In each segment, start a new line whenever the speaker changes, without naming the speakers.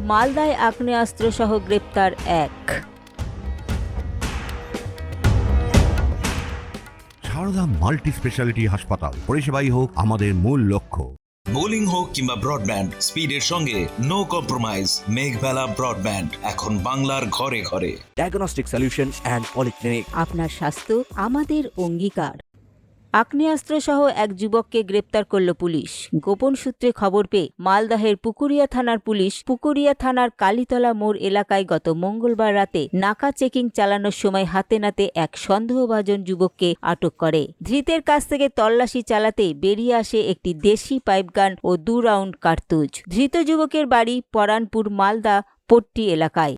মালদায় আগ্নেয়াস্ত্রসহ গ্রেপ্তার এক।
সারদা মাল্টি স্পেশালিটি হাসপাতাল, পরিষেবাই হোক আমাদের মূল লক্ষ্য।
বোলিং হোক কিংবা ব্রডব্যান্ড, স্পিডের সঙ্গে নো কম্প্রোমাইজ। মেঘবেলা ব্রডব্যান্ড এখন বাংলার ঘরে ঘরে।
Diagnostic solution and polyclinic.
আপনার স্বাস্থ্য আমাদের অঙ্গীকার। আগ্নেয়াস্ত্রসহ এক যুবককে গ্রেপ্তার করল পুলিশ। গোপন সূত্রে খবর পেয়ে মালদহের পুকুরিয়া থানার পুলিশ পুকুরিয়া থানার কালীতলা মোড় এলাকায় গত মঙ্গলবার রাতে নাকা চেকিং চালানোর সময় হাতে নাতে এক সন্দেহভাজন যুবককে আটক করে। ধৃতের কাছ থেকে তল্লাশি চালাতে বেরিয়ে আসে একটি দেশি পাইপগান ও 2 রাউন্ড কার্তুজ। ধৃত যুবকের বাড়ি পরানপুর মালদা পট্টি এলাকায়।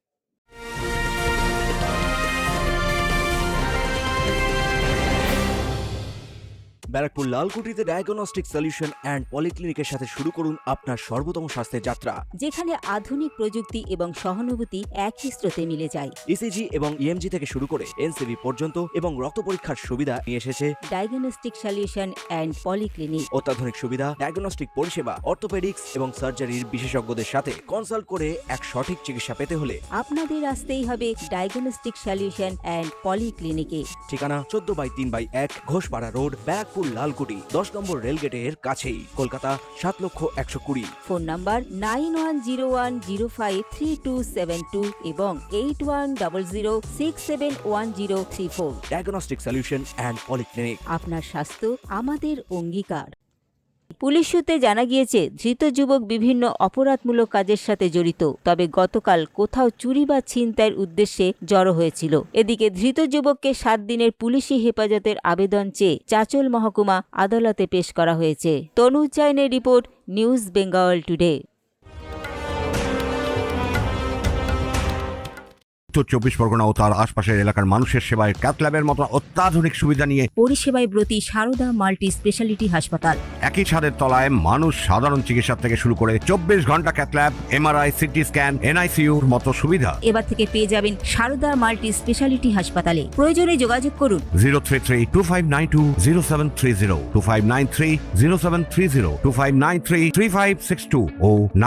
ব্যারাকপুর লালকুটিতে ডায়াগনস্টিক সলিউশন অ্যান্ড পলিক্লিনিকের সাথে শুরু করুন আপনার সর্বোত্তম স্বাস্থ্যের যাত্রা,
যেখানে আধুনিক প্রযুক্তি এবং সহানুভূতি একই স্রোতে মিলে যায়।
ইসিজি এবং ইএমজি থেকে শুরু করে এনসিবি পর্যন্ত এবং রক্ত পরীক্ষার সুবিধা নিয়ে এসেছে
ডায়াগনস্টিক সলিউশন অ্যান্ড পলিক্লিনিক।
অত্যাধুনিক সুবিধা, ডায়াগনস্টিক পরিষেবা, অর্থোপেডিক্স এবং সার্জারির বিশেষজ্ঞদের সাথে কনসাল্ট করে এক সঠিক চিকিৎসা পেতে হলে
আপনাদের আসতেই হবে ডায়াগনস্টিক সলিউশন অ্যান্ড পলিক্লিনিকে।
ঠিকানা 14/3/1 ঘোষপাড়া রোড, ব্যারাকপুর লালকুটি, 10 নম্বর রেলগেটের কাছেই, কলকাতা 7,120,000।
ফোন নাম্বার 9101053272 এবং 8100671034।
Diagnostic solution and polyclinic.
আপনার স্বাস্থ্য আমাদের অঙ্গীকার। পুলিশ সূত্রে জানা গিয়েছে, ধৃত যুবক বিভিন্ন অপরাধমূলক কাজের সাথে জড়িত। তবে গতকাল কোথাও চুরি বা ছিনতাইয়ের উদ্দেশ্যে জড়ো হয়েছিল। এদিকে ধৃত যুবককে 7 দিনের পুলিশি হেফাজতের আবেদন চেয়ে চাঁচল মহকুমা আদালতে পেশ করা হয়েছে। তনুজ জৈনের রিপোর্ট, নিউজ বেঙ্গল টুডে।
উত্তর 24 পরগনা ও তার আশপাশের এলাকার মানুষের সেবায় ক্যাথ ল্যাবের মতো অত্যাধুনিক সুবিধা নিয়ে
পরিষেবায় ব্রতী সারদা মাল্টি স্পেশালিটি হাসপাতাল।
একই ছাদের তলায় মানুষ সাধারণ চিকিৎসা থেকে শুরু করে 24 ঘন্টা cath lab, MRI, CT scan, এনআইসিইউর মতো সুবিধা
এবার থেকে পেয়ে যাবেন সারদা মাল্টি স্পেশালিটি হাসপাতালে। প্রয়োজনে যোগাযোগ করুন
033-2592-0730, 2593-0730, 2593-3562 ও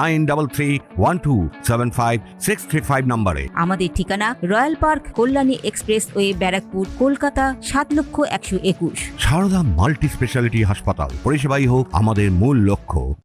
9331275635 নম্বরে।
আমাদের ঠিকানা royal park, Kalyani expressway, Barrackpore, Kolkata 7,121,000।
Sarada multi speciality হাসপাতাল, পরিষেবাই হোক আমাদের মূল লক্ষ্য।